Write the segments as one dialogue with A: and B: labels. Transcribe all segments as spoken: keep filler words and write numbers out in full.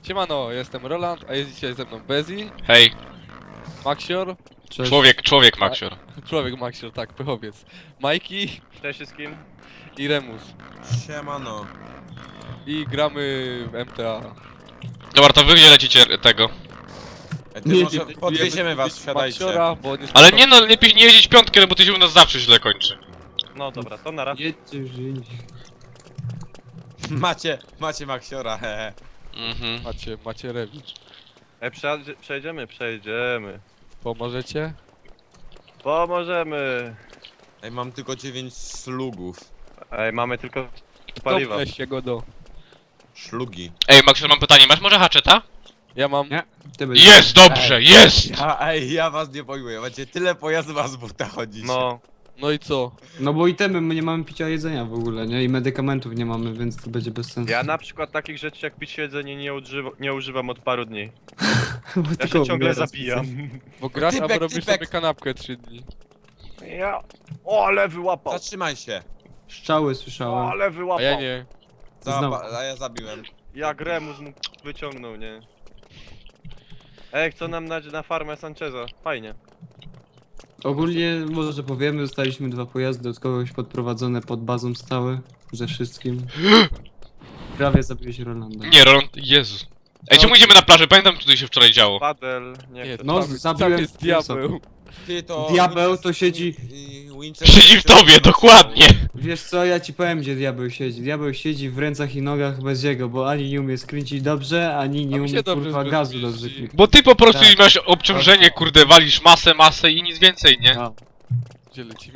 A: Siemano, jestem Roland, a jest dzisiaj ze mną Bezi,
B: Hej,
A: Maxior,
C: Cześć.
B: człowiek, człowiek Maxior.
A: człowiek Maxior, tak, pychowiec, Majki
D: Cześć wszystkim.
A: i Remus.
C: Siemano.
A: I gramy w M T A.
B: Dobra, to wy gdzie lecicie tego?
C: E, ty
A: Nie,
C: może
A: nie,
C: podwieziemy was, wsiadajcie.
A: Maxiora, bo nie
B: Ale nie no, lepiej nie jeździć piątkę, bo ty się u nas zawsze źle kończy.
D: No dobra, to nara.
C: Jedźcie już indziej. Macie, macie Maxiora, hehe.
B: Mhm.
A: Macie, macie rewicz.
D: Ej, przejadzie- przejdziemy, przejdziemy.
A: Pomożecie?
D: Pomożemy.
C: Ej, mam tylko dziewięć slugów.
D: Ej, mamy tylko paliwa.
A: Weź się go do.
C: Szlugi.
B: Ej, Maxior, mam pytanie, masz może haczeta?
A: Ja mam...
C: Nie. Ty będziesz...
B: Jest, dobrze, jest!
C: Ja, ej, ja was nie pojmuję, macie tyle pojazdów, a z buta chodzić.
D: No,
A: No i co?
E: No bo itemy, my nie mamy picia jedzenia w ogóle, nie? I medykamentów nie mamy, więc to będzie bez sensu.
D: ja na przykład takich rzeczy jak pić jedzenie nie, używa, nie używam od paru dni.
E: Bo
D: Ja
E: tylko
D: się ciągle
E: umiera
D: zabijam.
A: Bo grasz,
C: Typek,
A: albo robisz
C: typek.
A: sobie kanapkę trzy dni.
D: Ja... O, ale wyłapał!
C: Zatrzymaj się.
E: Strzały
D: O,
E: słyszałem.
D: ale
A: A
D: wyłapał!
A: ja nie.
C: Zaba a ja zabiłem.
D: Jak Remus mu wyciągnął, nie? Ej, chcą nam dać na farmę Sancheza. Fajnie.
E: Ogólnie, może powiemy, dostaliśmy dwa pojazdy od kogoś podprowadzone pod bazą stałe. Ze wszystkim. Prawie zabiłeś Rolanda.
B: Nie, Roland, Jezus. Ej, czemu idziemy na plażę? Pamiętam, co tutaj się wczoraj działo.
D: Padel, nie
A: Nie,
D: chcę.
E: No,
A: tam,
E: zabiłem
A: tam jest diabeł.
C: Ty to...
E: Diabeł to siedzi-
C: i- Winchester-
B: Siedzi w tobie, dokładnie.
E: Wiesz co, ja ci powiem, gdzie diabeł siedzi. Diabeł siedzi w rękach i nogach bez jego, bo ani nie umie skręcić dobrze, ani
A: A
E: nie
A: mi się
E: umie
A: dobrze
E: kurwa
A: z
E: gazu
A: rozmieści.
E: dobrze kliknąć.
B: Bo ty po prostu
E: Tak.
B: masz obciążenie, kurde, walisz masę, masę i nic więcej, nie?
E: No.
A: Gdzie lecimy?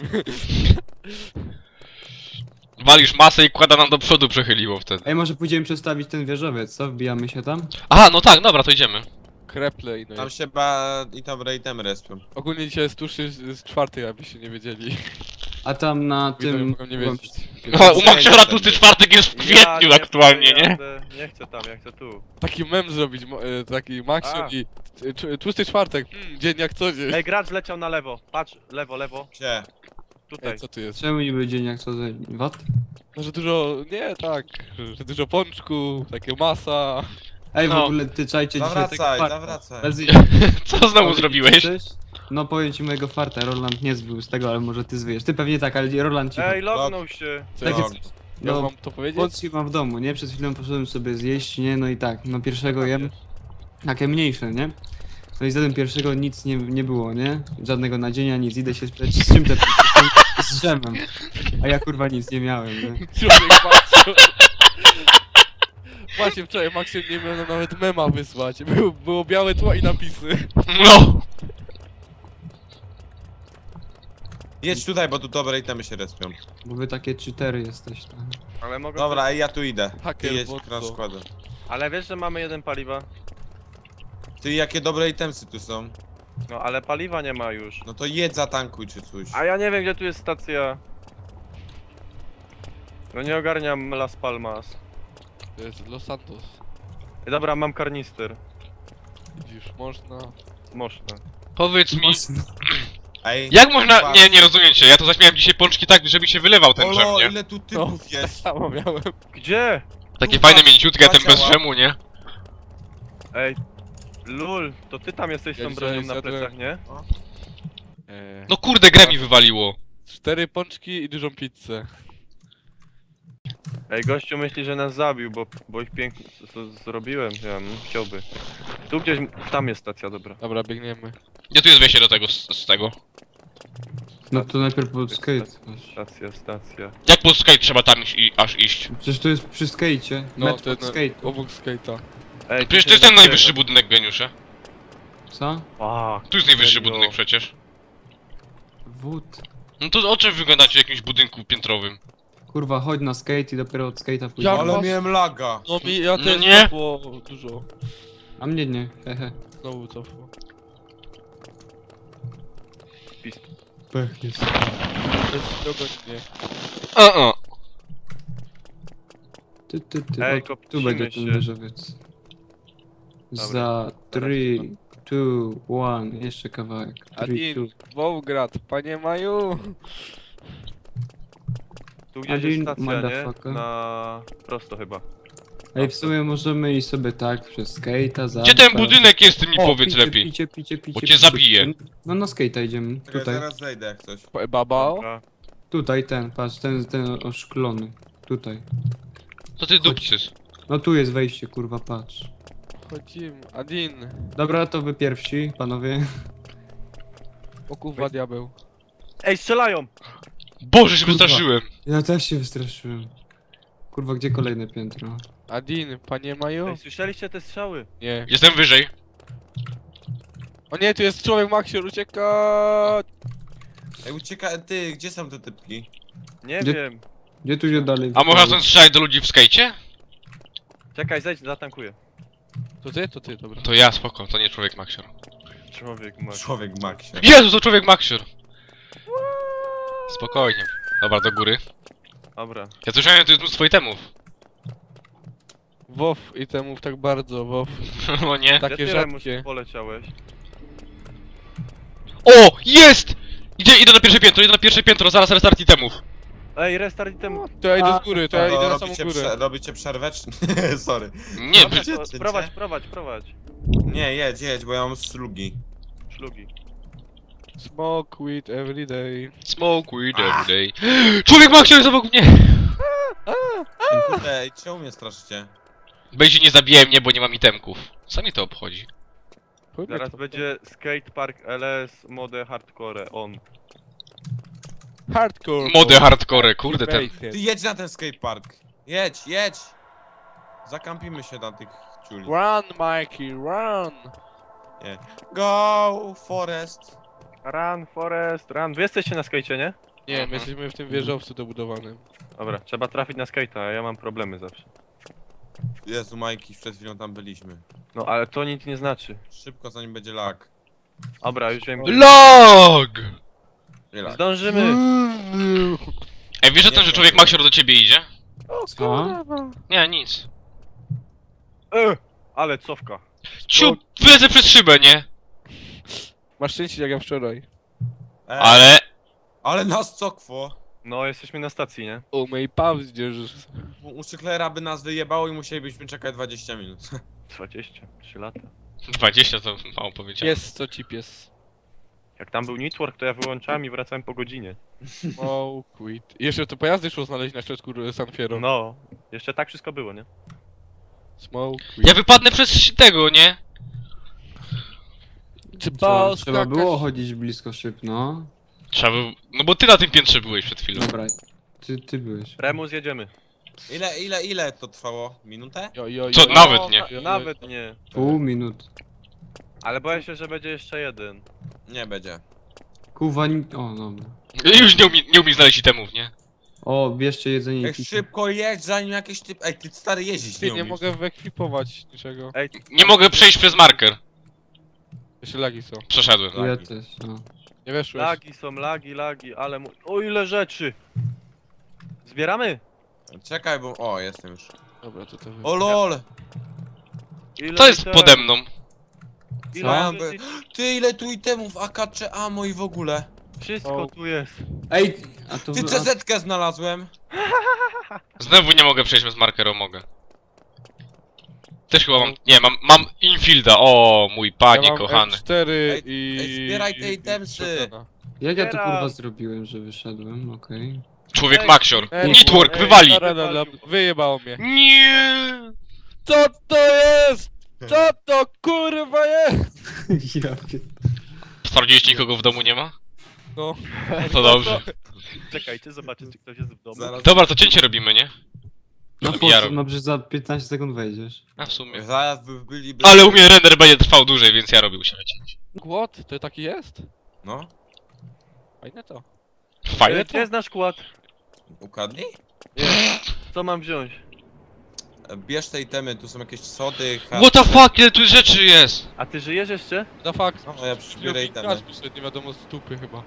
B: Walisz masę i kłada nam do przodu przechyliło wtedy.
E: Ej, może pójdziemy przestawić ten wieżowiec, co? Wbijamy się tam?
B: Aha, no tak, dobra, to idziemy.
A: Kreple i no
C: Tam
A: i...
C: się ba... i tam rejtem respią.
A: Ogólnie dzisiaj jest tuż z czwartej, abyście nie wiedzieli.
E: A tam na
A: Widzowie
E: tym...
A: mogą nie wiedzieć.
B: No, u Maxiora tłusty czwartek jest w kwietniu
D: Ja
B: aktualnie,
D: chcę,
B: nie?
D: jadę- Nie chcę tam, ja chcę tu.
A: Taki mem zrobić, mo- e, taki Maxior
D: A.
A: i t- t- tłusty czwartek, hmm, dzień jak co dzień.
D: Ej, gracz leciał na lewo. Patrz, lewo, lewo.
C: Gdzie?
D: Tutaj.
A: Ej, co tu jest?
E: Czemu niby dzień jak co za... Wat?
A: No, że dużo, nie tak, że dużo pączku, takie masa.
E: Ej, w
B: No.
E: ogóle ty czajcie dzisiaj tego
C: Zawracaj,
E: farta.
C: zawracaj.
E: Bez...
B: Co znowu zrobiłeś?
E: Coś? No powiem ci mojego farta, Roland nie zbył z tego, ale może ty zwyjesz. Ty pewnie tak, ale Roland ci...
D: Ej, lognął się.
A: Co
E: Tak
A: ja,
E: jest.
A: ja
E: No,
A: mam to powiedzieć?
E: Pączki mam w domu, nie? Przed chwilą poszedłem sobie zjeść, nie? No i tak, no pierwszego jem, takie mniejsze, nie? No i zjadłem pierwszego, nic nie, nie było, nie? Żadnego nadzienia, nic, idę się spytać, z czym te pączki są? Z drzewem. A ja kurwa nic nie miałem, nie?
A: Człowiek Maxior. Właśnie wczoraj Maxior nie miał nawet mema wysłać. Był, było białe tło i napisy.
B: No!
C: Jedź tutaj, bo tu dobre itemy się respią.
E: Bo wy takie cheatery jesteście.
D: Ale mogę.
C: Dobra, ej, ja tu idę. Ty
A: Haker,
C: jedź,
A: bo
C: krasz
A: co?
C: składę.
D: Ale wiesz, że mamy jeden paliwa?
C: Ty, jakie dobre itemsy tu są.
D: No ale paliwa nie ma już.
C: No to jedz, zatankuj czy coś.
D: A ja nie wiem, gdzie tu jest stacja. No nie ogarniam Las Palmas.
A: To jest Los Santos.
D: Ej, dobra, mam karnister.
A: Widzisz, można...
D: Można.
B: Powiedz mi,
C: Ej,
B: jak można...
C: patrz.
B: Nie, nie rozumiem cię, ja to zaśmiałem dzisiaj pączki tak, żeby się wylewał ten drzem,
C: Olo,
B: nie?
C: ile tu
A: No,
C: typów
A: tak
C: jest.
A: samo miałem.
D: Gdzie?
B: Takie
C: Tu
B: fajne
C: dwa-
B: mięciutkie, a
C: dwa
B: ten bez
C: ciała.
B: drzemu, nie?
D: Ej. Lul, to ty tam jesteś z
A: Ja
D: tą
A: dzisiaj
D: bronią na
A: zjadłem-
D: plecach, nie?
A: Eee,
B: No kurde, grę mi wywaliło.
A: Cztery pączki i dużą pizzę.
D: Ej, gościu myśli, że nas zabił, bo, bo ich pięknie z- z- zrobiłem. Ja bym chciałby. Tu gdzieś, tam jest stacja, dobra.
A: Dobra, biegniemy.
B: Gdzie tu jest wejście do tego, z, z tego?
E: No to najpierw pod skate.
D: Stacja, stacja.
B: Jak po skate trzeba tam iść, i, aż iść?
E: Przecież to jest przy skate'cie.
A: No,
E: Metr
A: ten
E: pod skate.
A: obok skate'a.
D: Ej,
B: Przecież
D: tu
B: to jest
D: się
B: ten najwyższy
D: zabiera.
B: budynek, geniusze.
E: Co?
D: A,
B: Tu jest najwyższy
D: serio?
B: budynek przecież.
E: Wód.
B: No to o czym wyglądacie w jakimś budynku piętrowym?
E: Kurwa, chodź na skate i dopiero od skate'a pójdziemy.
A: Jak
C: Ale
A: was-
C: miałem laga.
A: No mi, ja
B: No
A: też
B: nie.
A: cofło dużo.
E: A mnie nie, hehe.
A: Znowu cofło.
E: Pech jest.
A: To jest dogodnie.
B: O, o.
E: Ty, ty, ty.
D: Ej,
E: O, tu
D: kopcimy
E: będzie
D: się.
E: ten wieżowiec.
D: Dobra,
E: Za trzy, dwa, jeden, jeszcze kawałek. trzy,
A: Adin, Wołgrad, panie Maju.
D: Tu gdzieś jest
E: Adin,
D: stacja, nie?
E: motherfucker.
D: Na... prosto chyba.
E: Ej, w sumie możemy iść sobie tak przez skate'a, za.
B: Gdzie ten budynek jest, ty mi powiedz
E: picie,
B: lepiej.
E: Picie, picie, picie,
B: Bo cię
E: picie.
B: zabiję.
E: No na skate'a idziemy.
C: Czekaj,
E: Tutaj.
C: zaraz zejdę jak coś.
A: Baba?
D: Dobra.
E: Tutaj ten, patrz, ten, ten oszklony. Tutaj.
B: Co ty dupcysz?
E: No tu jest wejście, kurwa, patrz.
A: Chodzimy. Adin.
E: Dobra, to wy pierwsi, panowie.
A: O kurwa diabeł.
D: Ej, strzelają!
B: Boże, się
E: Kurwa.
B: wystraszyłem.
E: Ja też się wystraszyłem. Kurwa, gdzie kolejne piętro?
A: Adin, panie Maju?
D: Ej, słyszeliście te strzały?
A: Nie.
B: Jestem wyżej.
A: O nie, tu jest człowiek Maxior, ucieka!
C: Ej, ucieka, ty, gdzie są te typki?
D: Nie
E: Gdzie-
D: wiem.
E: Gdzie tu się dalej?
B: A można stąd strzelać do ludzi w skejcie?
D: Czekaj, zejdź, zatankuję.
A: To ty? To ty, dobra.
B: To ja, spoko, to nie człowiek Maxior.
D: Człowiek ma.
C: Człowiek Maxie.
B: Jezu, to człowiek Maxior! Spokojnie. Dobra, do góry.
D: Dobra.
B: Ja słyszałem, że tu jest mnóstwo itemów.
A: WoW i temów tak bardzo, WoW.
B: No nie.
A: Takie
D: Gdzie ty,
A: rzadkie.
D: Remus, poleciałeś?
B: O! Jest! Idę, idę na pierwsze piętro, idę na pierwsze piętro, zaraz restart itemów.
D: Ej, restart item.
A: To ja idę
E: A,
A: z góry, to ja
C: To
A: idę na samą
C: robicie,
A: górę.
C: prze, robicie przerwę, czy... Sorry.
B: Nie,
D: Dobra,
B: wy...
D: to
C: Cię-
D: prowadź, prowadź, prowadź.
C: Nie, jedź, jedź, bo ja mam slugi.
D: Szlugi.
A: Smoke weed every day.
B: Smoke weed every day. Człowiek Maxior jest obok mnie!
C: Kurde, ej, czemu mnie straszycie?
B: Będzie nie zabije mnie, bo nie mam itemków. Co mnie to obchodzi?
A: Chuj mnie
D: Zaraz
A: to-
D: będzie skatepark L S mode hardcore on.
A: Hardcore.
B: Mody hardcore, kurde ten.
A: Bacon.
C: Ty jedź na ten skatepark. Jedź, jedź! Zakampimy się na tych ciuli.
A: Run, Mikey, run!
C: Go, Forest!
D: Run, Forest, run. Wy jesteście na skajcie, nie?
A: Nie, my jesteśmy w tym wieżowcu dobudowanym.
D: Dobra, trzeba trafić na skate'a, a ja mam problemy zawsze.
C: Jezu, Majki, przed chwilą tam byliśmy.
D: No ale to nic nie znaczy.
C: Szybko, zanim będzie lag.
D: Dobra, już wiem.
B: LOG!
C: Nie lag.
D: Zdążymy!
B: Ej, wiesz o tym, że człowiek Maxior do ciebie idzie?
E: Co?
B: Nie, nic.
D: E, ale cofka.
B: Ciu, wylecę przez szybę, nie?
A: Masz szczęście jak ja wczoraj.
C: Ej,
B: Ale...
C: ale nas cokwo.
D: No, jesteśmy na stacji, nie?
A: O mej pawzdzierz.
C: U u Cyklera by nas wyjebało i musielibyśmy czekać dwadzieścia minut.
D: dwadzieścia trzy lata.
B: dwadzieścia to mało powiedziałem.
A: Pies, co ci pies?
D: Jak tam był network, to ja wyłączałem i wracałem po godzinie.
A: O, quit. I jeszcze to pojazdy szło znaleźć na środku San Fierro.
D: No, jeszcze tak wszystko było, nie?
A: Smoke,
B: Ja
A: quit.
B: wypadnę przez tego, nie?
E: Trzeba, trzeba było chodzić blisko szyb, no.
B: Trzeba by... No bo ty na tym piętrze byłeś przed chwilą.
E: Dobra, ty, ty byłeś.
D: Remus, jedziemy.
C: Ile, ile, ile to trwało? Minutę?
A: Jo, jo, jo,
B: Co,
A: jo.
B: nawet nie.
A: Jo, jo,
D: Nawet nie.
E: Pół minut.
D: Ale boję się, że będzie jeszcze jeden.
C: Nie będzie.
E: Kuwa, nim... O, dobra.
B: Już nie, umie, nie umie znaleźć itemów, nie?
E: O, bierzcie jedzenie i
C: Ej,
E: picie.
C: szybko jedź, zanim jakiś typ... Ej, ty stary jeździć
A: Ty
C: nie
A: nie
C: umiesz.
A: mogę wyekwipować niczego.
D: Ej,
B: Nie mogę przejść przez marker.
A: Jeszcze lagi są.
B: Przeszedłem.
E: Ja
C: lagi.
E: też, no.
A: Nie weszłeś.
D: lagi są, lagi, lagi, ale mu... O ile rzeczy! Zbieramy?
C: Czekaj, bo... O, jestem już.
A: Dobra, to to wy...
C: O lol!
D: Ile
B: To jest
D: item-
B: pode mną.
D: Ile
C: Mam
D: rzeczy-
C: Ty, ile tu itemów, A K czy ammo i w ogóle.
D: Wszystko
A: O.
D: tu jest.
E: Ej, a to...
C: Ty
E: a-
C: C Z-kę znalazłem.
B: Znowu nie mogę przejść bez markera, mogę. Też chyba mam... Nie, mam, mam infielda. O, mój panie
A: ja mam
B: kochany.
A: M cztery
C: Ej,
A: i...
C: ej, zbieraj te
A: i-
C: itemsy.
A: shotguna.
E: Jak ja to
D: Zbieram.
E: kurwa zrobiłem, że wyszedłem, okej.
B: Człowiek
D: Ej,
B: Maxior.
A: ej,
B: Network,
D: ej,
B: wywali.
A: Dobra, dobra, wyjebało mnie.
B: Nie.
A: Co to jest? Co to kurwa jest?
E: Ja pier...
B: Sprawdziłeś, nikogo w domu nie ma?
A: No.
B: To dobrze.
D: Czekajcie, zobaczę, czy ktoś jest w domu.
C: Zaraz,
B: Dobra, to cięcie robimy, nie?
E: No
B: Ja
E: po co?
B: robię.
E: No przecież za piętnaście sekund wejdziesz.
B: A w sumie.
C: zaraz by byliby...
B: Ale u mnie render będzie trwał dłużej, więc ja robił się cięcie.
A: Głod? To taki jest?
C: No,
A: Fajne to.
B: Fajne
D: Gdzie
B: to?
D: jest nasz kład?
C: ukradnij?
D: Co mam wziąć?
C: Bierz te itemy, tu są jakieś sody,
B: What the fuck, ile tu rzeczy jest?
D: A ty żyjesz jeszcze?
A: Da fakt.
C: No, ja przybiorę itemy.
A: Nie wiadomo z tupy chyba.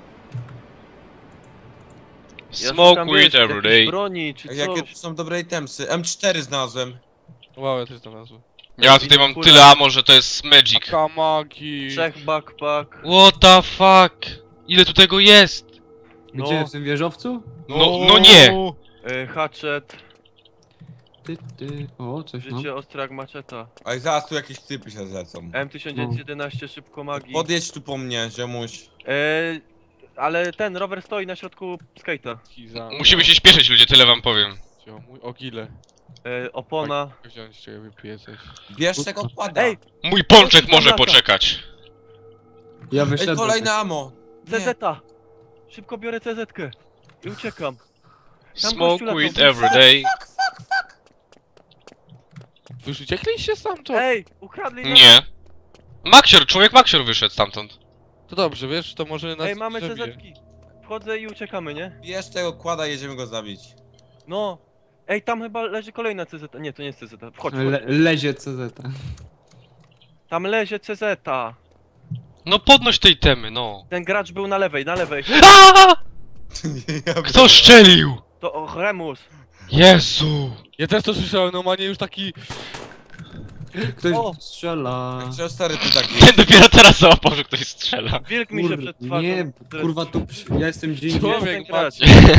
D: Ja
B: Smoke
D: szukam,
B: weed
D: wiesz,
B: every
D: jakiejś
B: day.
D: broni, czy
C: Ej,
D: coś.
C: Jakie tu są dobre itemsy? M cztery znalazłem.
A: Wow, ja też znalazłem.
B: Ja tutaj mam tyle ammo, że to jest magic.
A: Kamagi.
D: Trzech backpack.
B: What the fuck? Ile tu tego jest?
E: Gdzie,
D: No.
E: w tym wieżowcu?
B: No, no nie.
D: Y, hatchet.
E: ty, ty. O, coś no.
D: Życie ostre jak maczeta.
C: Ale zaraz tu jakieś typy się zlecą.
D: M tysiąc dziewięćset jedenaście szybko magii.
C: Podjedź tu po mnie, ziomuś.
D: Eee, ale ten rower stoi na środku skate'a.
A: Kiza.
B: Musimy się śpieszyć ludzie, tyle wam powiem.
A: Cio, mój ogile.
D: Eee, opona.
A: Wziąć, czekaj, wypiję coś.
C: Bierz tego kłada.
D: Ej,
B: Mój pączek
D: Tam
B: może
D: lata.
B: poczekać.
E: Ja
C: Ej,
E: wyszedłem.
C: kolejne ammo. Nie.
D: C Z A! Szybko biorę C Z-kę. I uciekam. Tam
B: Smoke
D: gościu latał.
B: weed every day.
A: Wy już uciekliście stamtąd?
D: Ej, ukradli nas.
B: Nie. Maxior, człowiek Maxior wyszedł stamtąd.
A: To dobrze, wiesz, to może nas
D: Ej, mamy C
A: zabije.
D: Z-ki. Wchodzę i uciekamy, nie?
C: Bierz tego kłada, jedziemy go zabić.
D: No. Ej, tam chyba leży kolejna C Z A. Nie, to nie jest C Z A. Wchodź,
E: Le,
D: wchodź.
E: lezie C Z.
D: Tam leży C Z A.
B: No podnoś tej temy, no.
D: Ten gracz był na lewej, na lewej.
B: Aaaa!
C: Ja
B: Kto szczelił?
D: To o, Remus.
B: Jezu!
A: Ja też to słyszałem, no manie już taki...
E: Ktoś
D: O!
E: strzela.
C: Czy stary ty taki?
B: Nie, dopiero teraz załapał, że ktoś strzela.
D: Wilk mi się
E: Kurde,
D: przed twarzą.
E: nie, kurwa tu, ja jestem gdzie indziej.
A: Człowiek,
D: ten gracz.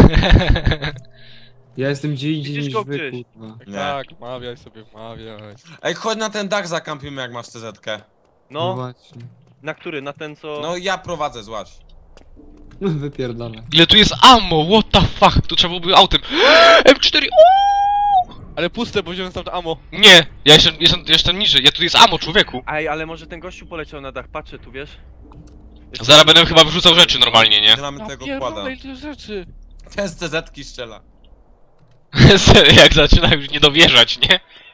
E: Ja jestem gdzie indziej
D: Widzisz
E: niż
D: go
E: wy,
D: gdzieś?
E: kurwa.
A: Tak,
C: Nie.
A: tak, mawiaj sobie, mawiaj.
C: Ej, chodź na ten dach zakampimy jak masz C Z-kę.
D: No,
E: właśnie.
D: na który? Na ten co...
C: No ja prowadzę, złaś.
E: Wypierdalę.
B: Ile tu jest ammo, what the fuck? Tu trzeba byłoby autem. M cztery,
A: Ale puste, bo wziąłem tam to ammo.
B: nie! Ja jestem, jestem, jestem niżej, ja tu jest ammo, człowieku.
D: Ej, ale może ten gościu poleciał na dach. Patrzę tu, wiesz? Jeszcze-
B: Zaraz będę chyba wyrzucał rzeczy normalnie, nie?
C: Nie mamy
A: Ja
C: tego kłada.
A: pierdolę, ile rzeczy.
C: Ten z C Z-ki strzela.
B: Jak zaczyna już nie dowierzać, nie?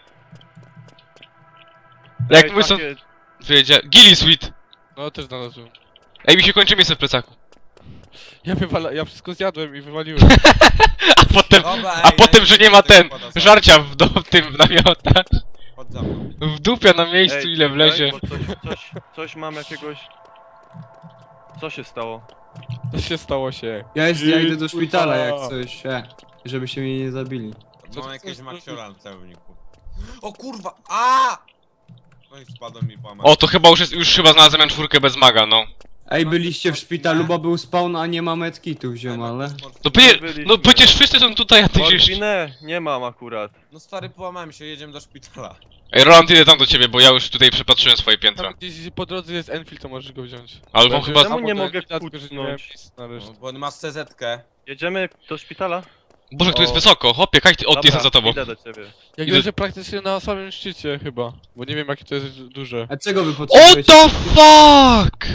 D: Ej,
B: Jak my są...
D: takie-
B: Wiedzia... Gilly Sweet!
A: No, też znalazłem.
B: Ej, mi się kończy miejsce w plecaku.
A: Ja wywala... ja wszystko zjadłem i wywaliłem.
B: A potem...
C: Dobra, ej,
B: A potem, że nie ma
C: tego
B: ten...
C: kłada,
B: Żarcia w, do, w tym w namiotach.
C: Chodź za mną.
B: W dupia na miejscu,
D: Ej,
B: ile
D: czekaj,
B: wlezie.
D: bo Coś, coś, coś mam jakiegoś... Co się stało?
A: Co się stało się?
E: Ja, jest, ja idę do
A: Kurwa.
E: szpitala jak coś, e, żeby się mnie nie zabili.
A: Co
C: Mam
A: ty
C: jakieś
A: chcesz
C: maksiora w celowniku. O kurwa! A! No i spadłem mi po amen.
B: O, to chyba już jest... Już chyba znalazłem M cztery bez maga, no.
E: Ej, byliście w szpitalu, bo był spawn, a nie ma medkitu wziąłem, ale...
B: No, pie...
D: byliśmy.
B: no przecież wszyscy są tutaj, a ty gdzieś...
D: Morfinę nie mam akurat.
C: No stary, połamałem się, jedziemy do szpitala.
B: Ej, Roland, idę tam do ciebie, bo ja już tutaj przepatrzyłem swoje piętra.
A: Tam gdzieś po drodze jest Enfield, to możesz go wziąć.
B: Albo
A: Będzie-
B: chyba...
D: Czemu nie
A: albo
D: mogę
A: Enfielda, tylko że nie miałem
D: kucnąć?
A: miejsca na resztę.
C: No, bo masz C Z-kę.
D: Jedziemy do szpitala?
B: Boże, tu jest
D: O.
B: wysoko, hopie, kaj ty... O, ty jestem za tobą.
D: idę do ciebie.
A: Jak
B: Idę-
A: leżę praktycznie na samym szczycie chyba. Bo nie wiem jakie to jest duże.
E: A czego wy
B: What
E: potrzebujecie?
B: the fuck?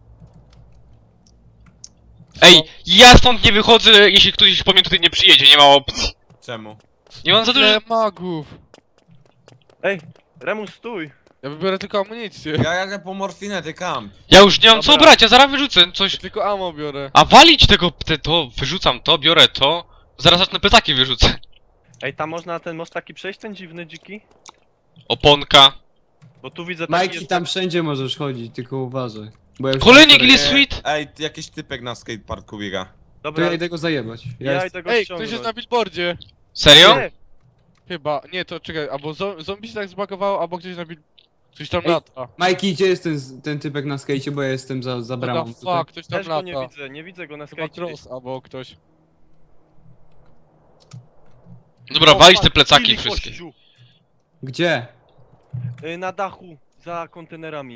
B: Ej, ja stąd nie wychodzę, jeśli ktoś po mnie tutaj nie przyjedzie, nie ma opcji.
C: Czemu?
B: Nie mam za dużo...
A: Ile magów!
D: Ej, Remus, stój!
A: Ja wybiorę tylko amunicję.
C: Ja jadę po morfinę, ty kamp.
B: Ja już nie mam co
D: Dobra.
B: brać, ja zaraz wyrzucę coś.
A: Ja tylko ammo biorę.
B: A walić tego, te, to, wyrzucam to, biorę to. Zaraz zacznę plecaki wyrzucę.
D: Ej, tam można ten most taki przejść, ten dziwny, dziki?
B: Oponka.
D: Bo tu widzę taki
E: Majki,
D: jest...
E: tam wszędzie możesz chodzić, tylko uważaj. Bo ja już
B: Kolejny
E: tam-
B: Gilly
C: Ej,
B: Sweet.
C: Ej, jakiś typek na skateparku biega.
E: To
D: Dobra,
E: ja idę go zajebać. Ja
D: ja
E: jest...
D: idę go
A: Ej,
D: ściągnąć.
A: ktoś jest na billboardzie.
B: Serio?
D: Nie,
A: Chyba. Nie, to czekaj, albo zo- zombie się tak zbagowało, albo ktoś na bill... Ktoś tam
E: Ej,
A: lata.
E: Majki, gdzie jest ten, ten typek na skejcie, bo ja jestem za, za
A: What
E: bramą.
A: the
E: tutaj.
A: fuck, ktoś tam
D: też go nie
A: lata.
D: widzę, nie widzę go na
A: Chyba
D: skajcie.
A: Cross albo ktoś.
B: Dobra, walić te plecaki wszystkie.
E: Gdzie?
D: Y, na dachu, za kontenerami.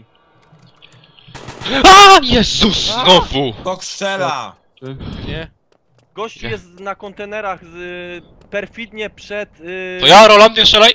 B: A Jezus, znowu.
C: Kok strzela!
E: Czy-
A: Nie?
D: Gościu
B: Nie.
D: jest na kontenerach z, y, perfidnie przed... Y,
B: To ja, Roland, nie strzelaj.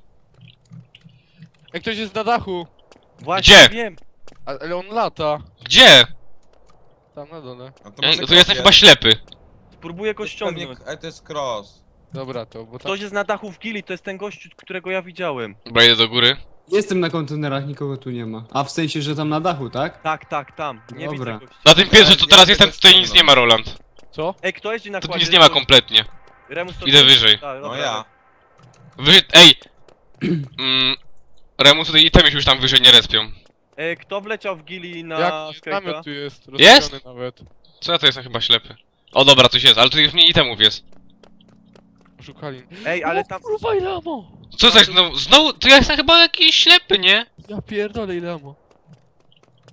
A: Ej, ktoś jest na dachu.
D: Właśnie
B: Gdzie?
D: wiem.
A: A, ale on lata.
B: Gdzie?
A: Tam na dole.
C: A to
B: Ja,
C: może
B: to
C: cross
B: jestem chyba
C: jest.
B: ślepy.
D: Spróbuję
C: To
D: go
C: jest pewnie-
D: ściągnąć.
C: Ej, to jest cross.
A: Dobra, to, bo tam...
D: Ktoś jest na dachu w Gili, to jest ten gościu, którego ja widziałem.
B: Dobra, idę do góry.
E: Jestem na kontenerach, nikogo tu nie ma. A w sensie, że tam na dachu, tak?
D: Tak, tak, tam. Nie
E: Dobra.
D: widzę gościa.
B: Na tym pierwszym, co
C: Ja-
B: teraz
C: ja
B: jestem,
C: tego
B: tutaj nic
C: ściągnę.
B: nie ma, Roland.
A: Co?
D: Ej, kto jeździ na
B: Tu
D: kładzie?
B: nic nie ma kompletnie.
D: Remus, to
B: Idę
D: ty?
B: wyżej.
D: Tak,
C: No
D: dobra,
C: ja.
B: Wy... Ej! Mm, Remus, tutaj itemy się już tam wyżej nie respią.
D: Ej, kto wleciał w Gili na
A: Jak
D: skate'a?
A: namiot tu jest?
B: Jest?
A: rozstawiony nawet.
B: Co ja to jestem chyba ślepy? O dobra, coś jest, ale tu już mniej itemów jest.
A: Szukali.
D: Ej, ale tam...
A: O, kurwa, ile ammo!
B: Co to jest znowu? Znowu? To ja jestem chyba jakiś ślepy, nie?
A: Ja pierdolę, ile ammo.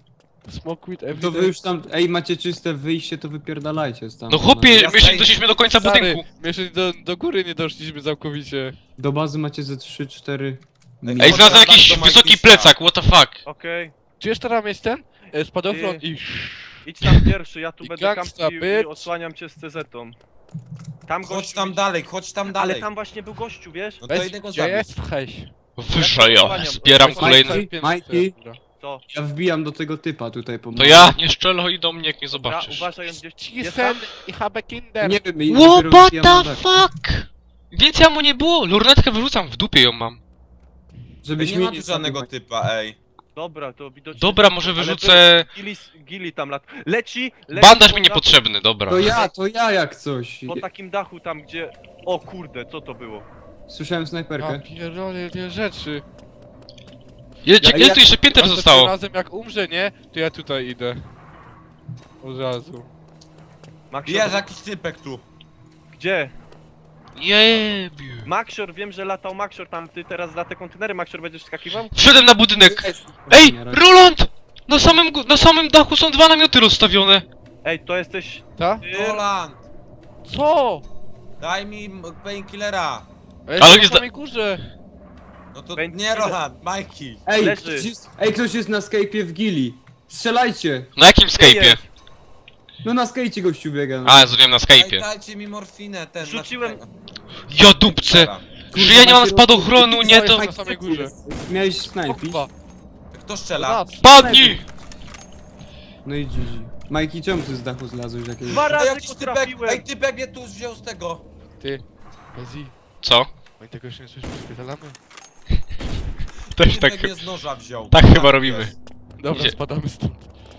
A: Smoke with
E: To
A: evidence.
E: wy już tam, ej, macie czyste wyjście, to wypierdalajcie tam.
B: No chłopie,
C: Ja
B: my
C: staję-
B: się doszliśmy do końca
A: Stary,
B: budynku.
A: my jeszcze do, do góry nie doszliśmy całkowicie.
E: Do bazy macie ze trzy cztery.
C: Ej,
B: Ej,
C: chodź
B: znalazłem
C: tam
B: jakiś
C: do
B: wysoki
C: Majkisa.
B: plecak, what the fuck.
D: Okej,
A: Czy jeszcze tam jest ten? E, Spadochron
D: Ty.
A: i...
D: idź tam pierwszy, ja tu
A: I
D: będę
A: gangsta,
D: kampił i
A: bitch.
D: osłaniam cię z cezetą. Tam
C: Chodź
D: gościu,
C: tam dalej, chodź tam dalej.
D: ale tam właśnie był gościu, wiesz?
C: No to
A: Weź,
C: idę go
A: gdzie
C: zabić.
A: jesteś?
B: Wyżej, ja zbieram kolejny.
E: Majki, Majki.
A: Dobra.
D: Co?
E: Ja wbijam do tego typa tutaj po
B: To ja, nie strzelaj do mnie, jak nie
D: Dobra,
B: zobaczysz.
D: uważaj, on gdzieś... Jest
A: Cisen
D: tam?
A: i habe Kinder.
E: Nie wiem, i
B: What
E: dopiero wbijam na
B: the
E: dach.
B: fuck? Więcej mu nie było, lornetkę wyrzucam, w dupie ją mam.
E: Żebyś
C: nie
E: mnie
C: ma tu żadnego
E: zabił.
C: typa, ej.
D: Dobra, to widocznie...
B: Dobra, może
D: Ale
B: wyrzucę...
D: był Gili, gili tam lat... Leci! leci
B: Bandaż
D: po
B: mi
D: dachu-
B: niepotrzebny, dobra.
E: To ja, to ja jak coś.
D: Po takim dachu tam, gdzie... O kurde, co to było?
E: Słyszałem
A: Ja
E: snajperkę.
A: pierdolę te rzeczy.
B: Ile,
E: Ja-
B: ile
E: ja-
B: tu jeszcze pięter
A: Następnym
B: zostało?
A: razem jak umrze, nie? To ja tutaj idę. Od razu.
D: Maxior,
C: Jest jakiś typek tu.
D: gdzie?
B: Jebiu.
D: Maxior, wiem, że latał Maxior tam, ty teraz za te kontenery Maxior będziesz skakiwał?
B: Wszedłem na budynek. Ej, Roland! Na samym, gó- na samym dachu są dwa namioty rozstawione.
D: Ej, to jesteś...
A: Ta?
D: Ty...
C: Roland,
A: Co?
C: daj mi m- painkillera.
A: Ale
B: Ale
A: jest
B: nie
A: na
B: zda-
A: samej górze.
C: No to
D: Painkiller.
C: nie Roland, Majki.
E: Ej,
D: Leży.
E: ktoś jest, ej, ktoś jest na skejpie w gili. Strzelajcie!
B: Na jakim Skype'ie?
D: jest?
E: No na skejcie gościu biega. No.
B: A, zrobiłem na
C: Daj,
B: Skype'ie.
C: dajcie mi morfinę, ten.
D: Rzuciłem-
B: Ja dupce! Że ja nie mam spadochronu, nie to...
A: Na samej górze.
E: Miałeś
A: O
E: snajpić?
A: kurwa.
C: Kto strzela?
A: Raz.
B: Padnij!
E: No i G G. Majki, czemu ty z dachu zlazłeś jakiegoś?
D: Dwa
C: To
D: razy
C: jakiś
D: go
C: typek,
D: trafiłem!
C: ej typek mnie tu wziął z tego.
A: Ty. Bezi.
B: Co?
A: My tego jeszcze nie coś przypierdalamy.
B: Też
C: Typek
B: tak...
C: mnie z noża wziął.
B: tak chyba
C: Tam
B: robimy.
C: jest.
A: Dobra,
B: Idzie.
A: spadamy stąd.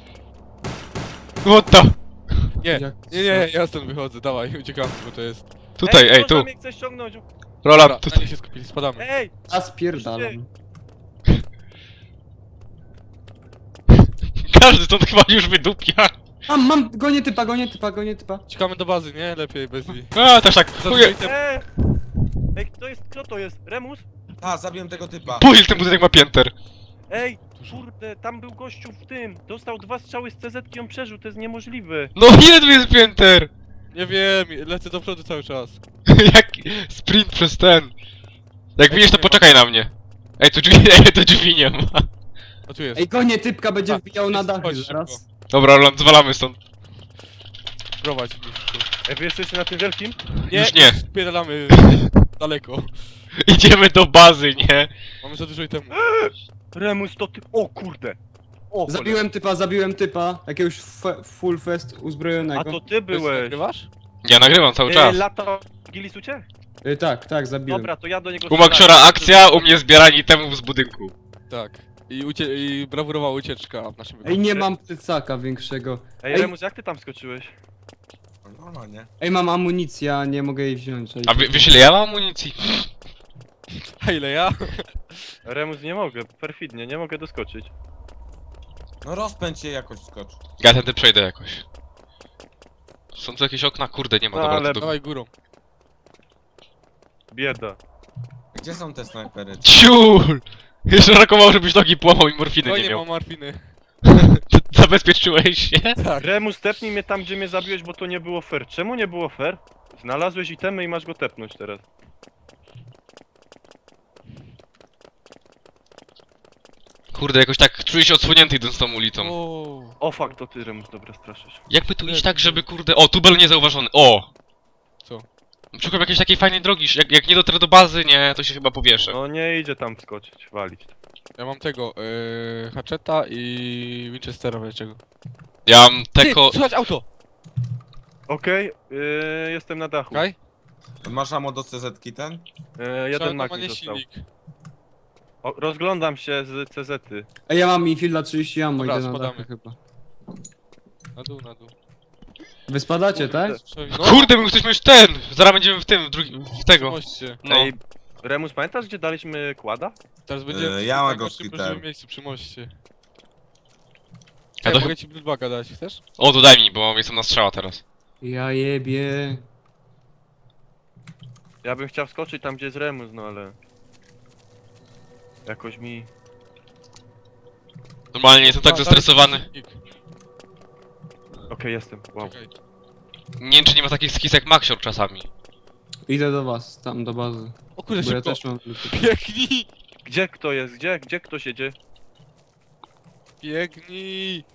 B: What the...
A: Nie,
E: Jak-
A: nie, nie, ja stąd wychodzę, dawaj, uciekamy, bo to jest...
B: Tutaj, ej,
D: ktoś
B: tu.
D: mnie chce ściągnąć.
B: Roland,
A: Dobra, na
B: tutaj.
A: nie się skupili, spadamy.
D: Ej!
E: A spierdalam.
B: Każdy stąd chyba już wydupia.
E: Mam, mam, gonię typa, gonię typa, gonię typa.
A: Uciekamy do bazy, nie? Lepiej, Bezi.
B: A, też tak. Chuje.
D: Ej! Ej, kto jest, kto to jest? Remus?
C: A, zabiłem tego typa.
B: Pójdź, ten budynek ma pięter.
D: Ej! Kurde, tam był gościu w tym! Dostał dwa strzały z C Z i on przeżył, to jest niemożliwe!
B: No ile tu jest pięter?
A: Nie wiem, lecę do przodu cały czas.
B: Jak sprint przez ten. Jak
A: Ej,
B: widzisz, to
A: nie ma.
B: poczekaj na mnie. Ej, tu drzwi, ej, tu drzwi nie ma.
A: A tu jest.
E: Ej, gonię typka, będzie
A: A,
E: wbijał na
A: jest,
E: dachy
A: chodź
E: zaraz.
B: Dobra, Roland, zwalamy stąd.
A: Prowadź mistrzu.
D: Ej, wy jesteście na tym wielkim?
A: Nie,
B: Już nie.
A: spierdalamy daleko.
B: Idziemy do bazy, nie?
A: Mamy za dużo itemu.
D: Remus, to ty... O kurde! O,
E: Zabiłem typa, zabiłem typa. Jakiegoś fe, full fest
D: cholera.
E: uzbrojonego.
D: A to ty
A: Bezi,
D: byłeś!
A: nagrywasz?
B: Ja nagrywam cały
D: Ej,
B: czas.
D: lata... Gilis uciekł?
E: Y, tak, tak, zabiłem.
D: Dobra, to ja do niego
B: U Maxiora akcja, u mnie zbieranie itemów z budynku.
A: Tak. I, ucie i brawurowa ucieczka w naszym
E: Ej, nie mam plecaka większego.
D: Ej,
E: Ej.
D: Remus, jak ty tam skoczyłeś?
C: No, no nie.
E: Ej, mam amunicję, a nie mogę jej wziąć. Ej,
B: A wy, wiesz ile ja mam amunicji?
A: A ile ja?
D: Remus, nie mogę, perfidnie, nie mogę doskoczyć.
C: No rozpędź się jakoś skocz.
B: Ja tędy przejdę jakoś. Są tu jakieś okna? Kurde, nie ma,
D: No,
B: dobra,
D: ale-
B: to do...
A: Dawaj górą.
D: Bieda.
C: Gdzie są te snajpery?
B: Ciul! Jeszcze rakował, żebyś nogi połamał i morfiny
A: No
B: nie
A: nie
B: miał.
A: mam morfiny.
B: Zabezpieczyłeś się?
A: Tak.
D: Remus, tepnij mnie tam, gdzie mnie zabiłeś, bo to nie było fair. Czemu nie było fair? Znalazłeś itemy i masz go tepnąć teraz.
B: Kurde, jakoś tak czuję się odsłonięty idąc tą ulicą.
A: O.
D: O fuck, to ty, Remus, dobra, straszysz.
B: Jakby tu iść tak, żeby kurde... O, tubel niezauważony, o!
A: Co?
B: Szukam jakiejś takiej fajnej drogi, jak, jak nie dotrę do bazy, nie, to się chyba powieszę.
D: No nie idzie tam wskoczyć, walić.
A: Ja mam tego, yy, Hatcheta i Winchestera wieczego.
B: Ja mam teko...
A: Ty, słuchaj, auto!
D: Okej, yy, jestem na dachu.
A: Kaj?
C: Masz ammo do C Z-ki ten?
D: Yy, jeden mag mi
A: nie
D: został.
A: silnik.
D: O, rozglądam się z C Z-y.
E: Ej, ja mam infielda trzydzieści ammo,
A: Dobra,
E: idę na
A: spadamy.
E: dachy chyba.
A: Na dół, na dół.
E: Wy spadacie, tak?
A: No,
B: Kurde, my jesteśmy już ten! Zaraz będziemy w tym, w drugim, w tego.
A: moście.
B: No.
D: Ej, Remus, pamiętasz, gdzie daliśmy kłada?
A: Teraz będziemy
C: Yy,
A: przy
C: ja
A: tym
C: go
A: najgorszym
C: skitem.
A: możliwym miejscu przy moście.
B: Ja
A: Ja
B: to-
A: mogę ci bloodbaga dać, chcesz?
B: O, to daj mi, bo jestem na strzała teraz.
E: Ja jebie.
D: Ja bym chciał wskoczyć tam, gdzie jest Remus, no ale... Jakoś mi...
B: Normalnie jestem tak
A: Da-
B: zestresowany.
A: dawaj silnik.
D: Okej, jestem. Wow.
A: Czekaj.
B: Nie wiem, czy nie ma takich skis jak Maxior czasami.
E: Idę do was, tam do bazy.
A: O kurde,
E: Bo ja
A: szybko.
E: też mam...
A: Biegnij!
D: Gdzie kto jest? Gdzie? Gdzie ktoś jedzie?
A: Biegnij!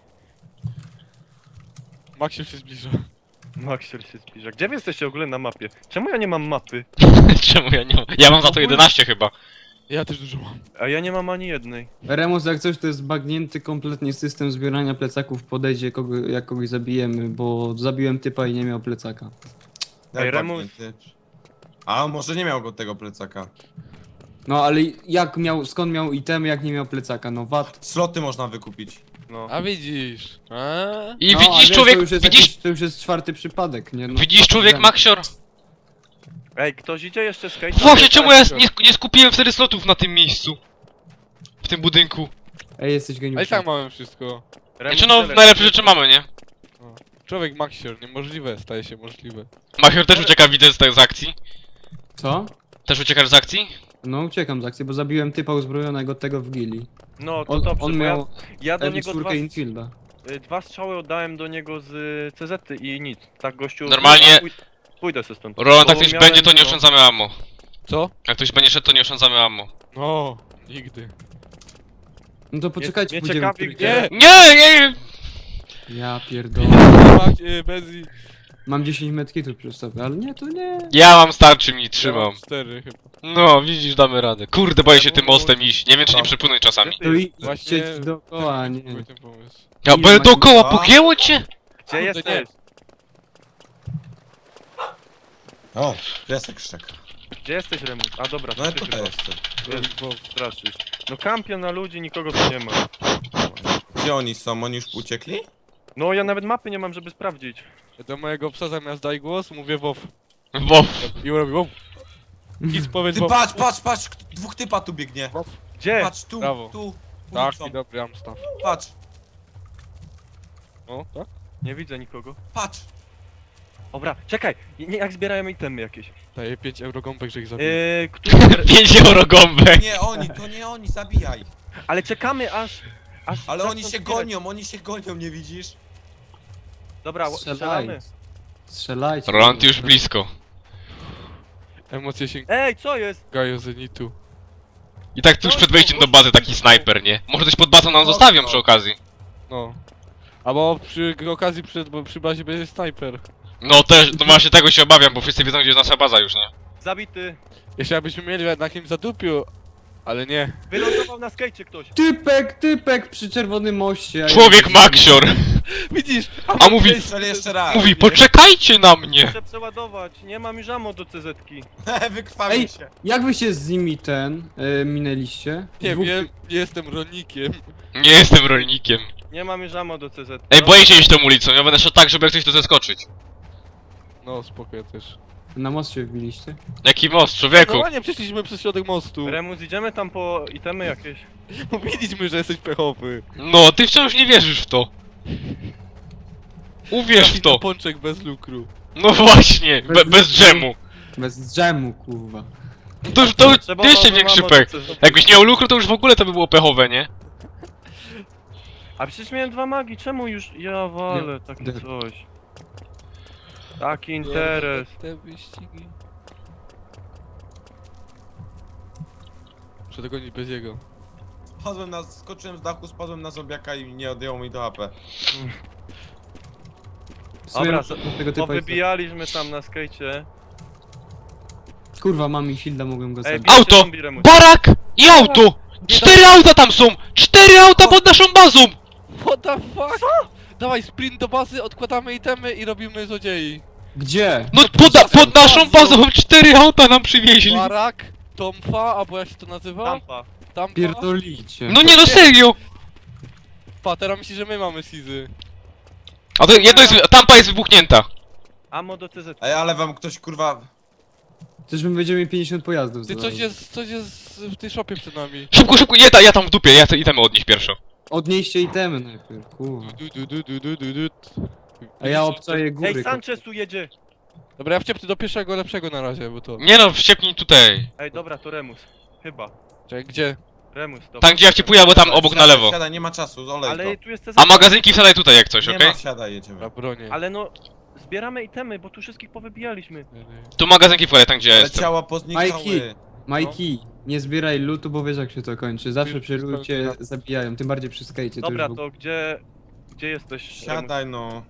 A: Maksiu się zbliża.
D: Maxior się zbliża. Gdzie wy jesteście w ogóle na mapie? Czemu ja nie mam mapy?
B: Czemu ja nie mam? Ja mam za to jedenaście chyba.
A: Ja też dużo mam.
D: A ja nie mam ani jednej.
E: Remus, jak coś, to jest bagnięty kompletnie system zbierania plecaków. Podejdzie, kogo, jak kogoś zabijemy, bo zabiłem typa i nie miał plecaka.
C: Jak
D: Ej, Remus.
C: bagnięty. A może nie miał go tego plecaka.
E: No ale jak miał, skąd miał itemy, jak nie miał plecaka? No wat.
C: Sloty można wykupić.
D: No.
A: A widzisz? A?
B: I
E: no, a
B: widzisz
E: wiesz,
B: człowiek,
E: to już, jest
B: widzisz,
E: jakiś, to już jest czwarty przypadek, nie? No,
B: widzisz człowiek
E: wiem.
B: Maxior?
D: Ej, ktoś idzie jeszcze skate?
B: Właśnie, czemu ja nie, nie skupiłem wtedy slotów na tym miejscu? W tym budynku.
E: Ej, jesteś
A: Ale
E: geniuszem.
A: i tak mamy wszystko.
D: Remus,
B: Znaczy no,
D: tyle.
B: najlepsze rzeczy mamy, nie?
A: Człowiek Maxior, niemożliwe staje się możliwe.
B: Maxior też ucieka, widzę, z, z akcji.
E: Co?
B: Też uciekasz z akcji?
E: No uciekam z akcji, bo zabiłem typa uzbrojonego tego w gili.
D: No to
E: On,
D: dobrze,
E: on
D: bo
E: miał
D: ja, ja do
E: M
D: niego dwa,
E: cztery Infielda.
D: y, dwa strzały oddałem do niego z y, C Z i nic. Tak gościu...
B: Normalnie-
D: Pój- Pójdę se stąd.
B: Roland,
D: Bo
B: jak ktoś
D: miałem,
B: będzie, to nie
D: no,
B: oszczędzamy ammo.
A: Co?
B: Jak ktoś będzie szedł, to nie oszczędzamy ammo.
A: No, nigdy.
E: No to poczekajcie,
D: mnie
E: pójdziemy
D: ciekawi,
E: w trójkę.
D: gdzie-
A: Nie!
B: Nie, nie,
E: Ja pierdolę.
A: Macie, Bezi.
E: Mam dziesięć medkitów przy sobie, ale nie, to nie.
B: ja mam starczy, mi trzymam.
A: Cztery chyba.
B: No, widzisz, damy radę. Kurde, boję się tym mostem iść. Nie wiem, czy nie przepłynąć czasami.
E: To i
A: Właśnie...
E: idźcie dookoła, a nie.
A: Był ten pomysł.
B: Ja,
E: Ile
B: bo
E: macie-
B: dookoła
C: A?
B: pogięło cię?
D: Gdzie
A: nie.
D: jesteś?
C: O, piesek szczek.
D: Gdzie jesteś, Remus? A dobra,
C: No ale
D: ty
C: tutaj
D: chyba.
C: jestem.
D: Jest, bo straszysz. No kampion na ludzi, nikogo tu nie ma.
C: Gdzie oni są? Oni już uciekli?
D: No ja nawet mapy nie mam, żeby sprawdzić.
A: Do mojego psa zamiast daj głos, mówię wow.
B: Bo
A: I robi wow. Nic powiedz
C: Ty
A: wow.
C: patrz, patrz, patrz! Dwóch typa tu biegnie.
D: Gdzie?
C: Patrz, tu,
A: Brawo.
C: tu.
A: Tak,
C: Ulicą.
A: i dobry Amstaff.
C: Patrz,
A: No, tak?
D: Nie widzę nikogo.
C: patrz.
D: Dobra, czekaj! Nie, jak zbierają itemy jakieś?
A: Daję pięć euro gąbek, że ich zabiję.
D: Yy, który...
B: pięć euro gąbek.
C: Nie oni, to nie oni, zabijaj.
D: Ale czekamy aż... aż
C: Ale
D: zaczną
C: oni się
D: zbierać.
C: gonią, oni się gonią, nie widzisz?
D: Dobra, strzelamy.
E: Strzelaj. Strzelajcie.
B: Roland już blisko.
A: Emocje się
D: Ej, co jest?
A: gają zenitu.
B: I tak tuż przed wejściem do bazy taki snajper, nie? Może coś pod bazą nam zostawią przy okazji.
A: No. Albo przy okazji przed, bo przy bazie będzie snajper.
B: No też, no właśnie tego się obawiam, bo wszyscy wiedzą, gdzie jest nasza baza już, nie?
D: Zabity.
A: Jeszcze abyśmy mieli na kimś zadupiu, ale nie.
D: Wylądował na skejcie ktoś.
E: Typek, typek przy czerwonym moście. a ja-
B: Człowiek Maxior!
A: Widzisz?
B: A mówi,
C: Strzel jeszcze raz.
B: mówi, poczekajcie na mnie!
D: Muszę przeładować, nie mam już ammo do C Z ki.
C: Wykrwawił
E: Ej,
C: się.
E: jak wy się z nimi ten y, minęliście?
A: Nie
E: Dwóch-
A: wiem, nie jestem rolnikiem.
B: Nie jestem rolnikiem.
D: Nie mam już ammo do C Z.
B: Ej, boję się iść tą ulicą, ja będę szedł tak, żeby jak coś to zeskoczyć.
A: No, spoko, ja też.
E: Na most się wbiliście?
B: Jaki most, człowieku?
A: Normalnie przeszliśmy przez środek mostu.
D: Remus, idziemy tam po itemy jakieś.
A: Mówiliśmy, że jesteś pechowy.
B: No, ty wciąż nie wierzysz w to. Uwierz w to.
A: Pączek bez lukru.
B: No właśnie, be, bez dżemu.
E: Bez dżemu, kurwa.
B: To już, to
D: Trzeba
B: jeszcze
D: było
B: większy
D: ammo do
B: pech.
D: C Z.
B: Jakbyś nie miał lukru, to już w ogóle to by było pechowe, nie?
D: A przecież miałem dwa magi, czemu już... Ja walę, takie
E: Nie.
D: coś. Taki interes.
A: Te wyścigi. Muszę dogonić bez jego.
C: Spadłem na, skoczyłem z dachu, spadłem na zombiaka i nie odjęło mi do A P.
E: W sumie
D: Dobra,
E: do tego typa jest...
D: Powybijaliśmy tam na skejcie.
E: Kurwa, mam Infielda, mogłem go
D: Ej,
E: zabić.
D: bierzcie
B: Auto!
D: zombie, Remus.
B: Barak i auto! Cztery auta tam są! Cztery auta pod naszą bazą!
A: What the fuck? Co? Dawaj sprint do bazy, odkładamy itemy i robimy złodziei.
E: Gdzie?
B: No pod, pod naszą bazą cztery auta nam przywieźli!
A: Barak, Tomfa, albo jak się to nazywa?
D: Tampa.
A: Tampa.
E: Pierdolicie.
B: No nie no serio!
A: Pa, teraz myśli, że my mamy Sizy.
B: A to jedno jest, tampa jest wybuchnięta.
D: Ammo do C Z.
C: Ej, ale wam ktoś kurwa...
E: Też my będziemy mieli pięćdziesiąt pojazdów.
A: Ty,
E: zaraz.
A: coś jest, coś jest w tej shopie przed nami.
B: Szybko, szybko, ja, ta- ja tam w dupie, ja chcę itemy odnieść pierwszo.
E: Odnieście itemy najpierw, kurwa.
A: Du, du, du, du, du, du, du.
E: A ja obczaję góry.
D: Ej, Sanchez tu jedzie!
A: Dobra, ja wciepnę do pierwszego lepszego na razie, bo to...
B: Nie no, wściepnij tutaj.
D: Ej, dobra, to Remus. Chyba.
A: Czekaj, gdzie?
F: Remus, dobra.
B: Tam gdzie ja wcipuję, albo tam obok na
C: Siadaj,
B: lewo.
C: Siadaj, nie ma czasu, olej
F: Ale
C: to.
F: tu jest
B: A magazynki wsiadaj tutaj jak coś,
C: Nie
B: okej?
C: ma, siadaj, jedziemy.
A: Na bronię.
F: Ale no, zbieramy itemy, bo tu wszystkich powybijaliśmy.
B: Tu magazynki wkładaj tam gdzie ja
C: Ale
B: jestem.
C: ciała poznikały.
E: Majki. Majki, nie zbieraj lootu, bo wiesz jak się to kończy. Zawsze
A: Już
E: przy
A: wszystko
E: lucie
A: na-
E: zabijają, tym bardziej przy skejcie.
F: Dobra,
E: już w
F: to gdzie... Gdzie jesteś? Remus?
C: Siadaj no.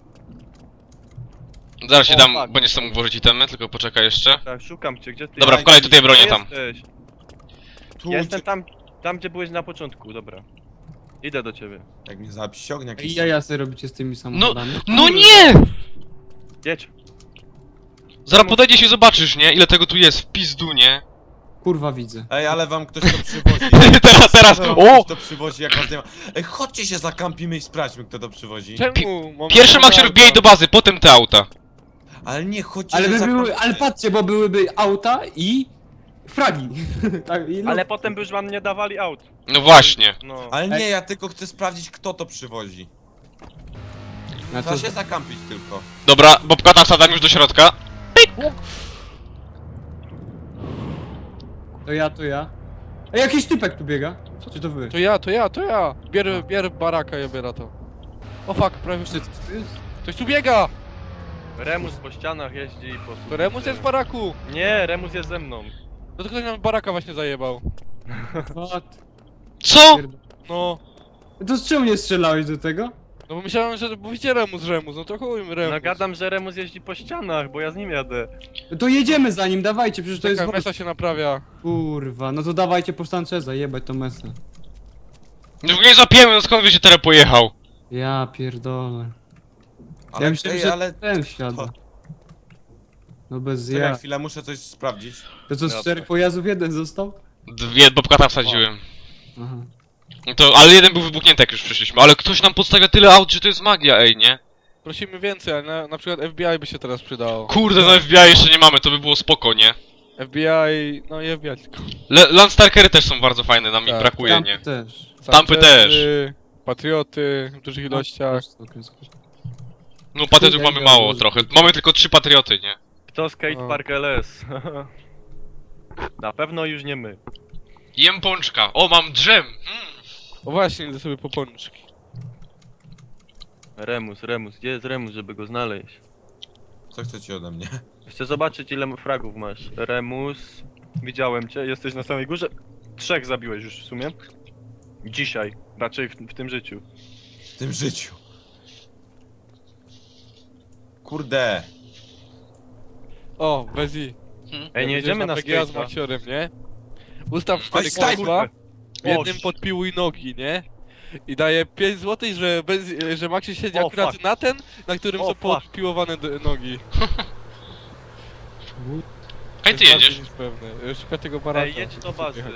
B: Zaraz się
F: O,
B: dam,
F: fuck.
B: bo nie chcę mógł włożyć itemy, tylko poczekaj jeszcze.
F: Tak, szukam cię, gdzie ty
B: Dobra, wkładaj tutaj bronię
F: Gdzie
B: tam.
F: jesteś?
C: Tu,
F: Ja jestem
C: gdzie-
F: tam, tam gdzie byłeś na początku, dobra. Idę do ciebie.
C: Jak mnie zabić, ściągnie
E: I
C: jakiś...
E: jaja sobie robicie z tymi samochodami.
B: No nie!
F: Jedź.
B: Zaraz podejdziesz i zobaczysz, nie? Ile tego tu jest, w pizdu, nie?
E: Kurwa widzę.
C: Ej, ale wam ktoś to przywozi.
B: Teraz, teraz,
C: Wam
B: o!
C: Ktoś to przywozi, jak was nie ma. Ej, chodźcie się zakampimy i sprawdźmy, kto to przywozi.
A: Czemu? Mam
B: Pierwszy
A: auta.
B: Maxior wbijaj do bazy, potem te auta.
C: Ale nie, chodźcie
E: Ale,
C: się
E: by były,
C: zakampimy.
E: ale patrzcie, bo byłyby auta i fragi. tak, i
F: Ale potem by już wam nie dawali aut.
B: No właśnie.
F: No.
C: Ale nie, ja tylko chcę sprawdzić, kto to przywozi.
E: Na
C: Trzeba
E: co?
C: się zakampić tylko.
B: Dobra, Bobka tam wsadzam już do środka.
E: To ja, to ja. Ej, jakiś typek tu biega. Czy to wy?
A: To ja, to ja, to ja. Bier, bier baraka, ja biorę to. O fuck, prawie wszyscy. Ktoś tu biega!
F: Remus po ścianach jeździ i po...
A: To Remus jest w baraku!
F: Nie, Remus jest ze mną.
A: No to ktoś nam baraka właśnie zajebał.
E: What?
B: Co?
A: No.
E: To z czemu nie strzelałeś do tego?
A: No bo myślałem, że mówicie Remus, Remus, no to chuj Remus.
F: No gadam, że Remus jeździ po ścianach, bo ja z nim jadę.
E: To jedziemy za nim, dawajcie, przecież to jest...
A: Czekaj, mesa się naprawia.
E: Kurwa, no to dawajcie po Sancheza, jebać to mesę.
B: No nie zapiemy, no skąd wiecie, teraz pojechał?
E: Ja pierdolę.
C: Ale,
E: ja myślałem,
C: ej,
E: że
C: ale...
E: ten wsiada. No bez
C: Czekaj
E: ja.
C: chwilę, muszę coś sprawdzić.
E: To co, z
F: Dobra.
E: czterech pojazdów jeden został?
B: Dwie Bobka tam wsadziłem.
E: Aha.
B: No to, ale jeden był wybuchnięty jak już przyszliśmy, ale ktoś nam podstawia tyle aut, że to jest magia, ej, nie?
A: Prosimy więcej, ale na, na przykład F B I by się teraz przydało.
B: Kurde, no F B I jeszcze nie mamy, to by było spoko, nie?
A: F B I, no i F B I tylko.
B: Le Landstalkery też są bardzo fajne, nam ich
A: Tak,
B: brakuje,
E: Tam
B: nie?
E: też.
B: Tampy też.
A: Sanchez, Patrioty w dużych ilościach.
B: No patriotów
E: Kurde,
B: mamy
E: ja
B: mało
E: może-
B: trochę, mamy tylko trzy patrioty, nie?
F: Kto skate
A: O.
F: park L S? Na pewno już nie my.
B: Jem pączka, o mam drzem! Mm.
A: O właśnie, idę sobie po pączki.
F: Remus, Remus, gdzie jest Remus, żeby go znaleźć?
C: Co chcecie ode mnie?
F: Chcę zobaczyć ile fragów masz. Remus, widziałem cię, jesteś na samej górze. Trzech zabiłeś już w sumie. Dzisiaj, raczej w, w tym życiu.
C: W tym życiu. Kurde.
A: O, bez I.
F: Ej, nie jedziemy na
A: P G A z
F: skate'a.
A: Maxiorem, nie? Ustaw
C: Oj,
A: cztery
C: staj-
A: kosła, w jednym
F: Oś.
A: podpiłuj nogi, nie? I daje pięć złotych, że, bez, że Maxi siedzi
F: O,
A: akurat
F: fuck.
A: na ten, na którym
F: O,
A: są
F: fuck.
A: podpiłowane d- nogi.
B: Hej,
A: To
B: ty
A: jest
B: jedziesz?
A: bardziej niż pewne. Szukaj tego baraka.
F: Ej, jedź do bazy.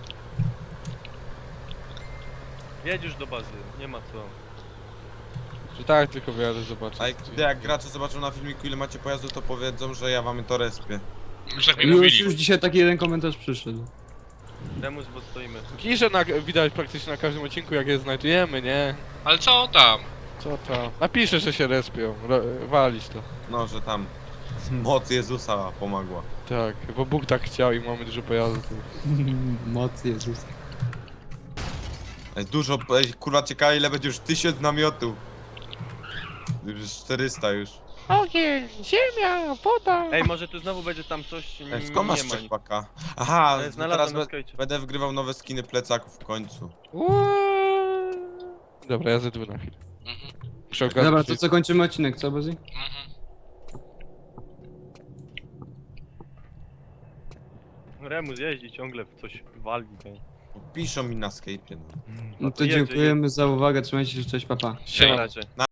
F: Jedź już do bazy, nie ma co.
A: Że tak, tylko wyjadę zobaczyć.
C: A jak, jak gracze zobaczą na filmiku, ile macie pojazdów, to powiedzą, że ja wam to respię.
B: Już tak mi
E: Już,
B: mówili.
E: już dzisiaj taki jeden komentarz przyszedł.
F: Remus, bo stoimy.
A: Kisze na, widać praktycznie na każdym odcinku, jak je znajdujemy, nie?
B: Ale co tam?
A: Co tam? Napiszę, że się respią. Ro- walić to.
C: No, że tam moc Jezusa pomogła.
A: Tak, bo Bóg tak chciał i mamy dużo pojazdów.
E: Moc Jezus.
C: Ej, dużo, ej, kurwa ciekawe ile będzie już tysiąc namiotów. Już czterysta już.
A: Ogień, ziemia, woda!
F: Ej, może tu znowu będzie tam coś,
C: Ej,
F: nie
C: skąd masz
F: ma.
C: trzech paka? Aha,
F: Ale
C: teraz
F: znalazłem na
C: be
F: skajcie.
C: będę wygrywał nowe skiny plecaków w końcu.
A: Uuuu. Dobra, ja zedły na chwilę.
B: Mhm.
A: Muszę ogarnąć
E: Dobra, to co, kończymy odcinek, co, Bozy?
B: Mhm.
F: Remus jeździ ciągle w coś wali. nie?
C: Piszą mi na Skype'ie. No.
E: No to
F: jedzie,
E: dziękujemy za uwagę, trzymajcie się, cześć, papa.
F: Na razie.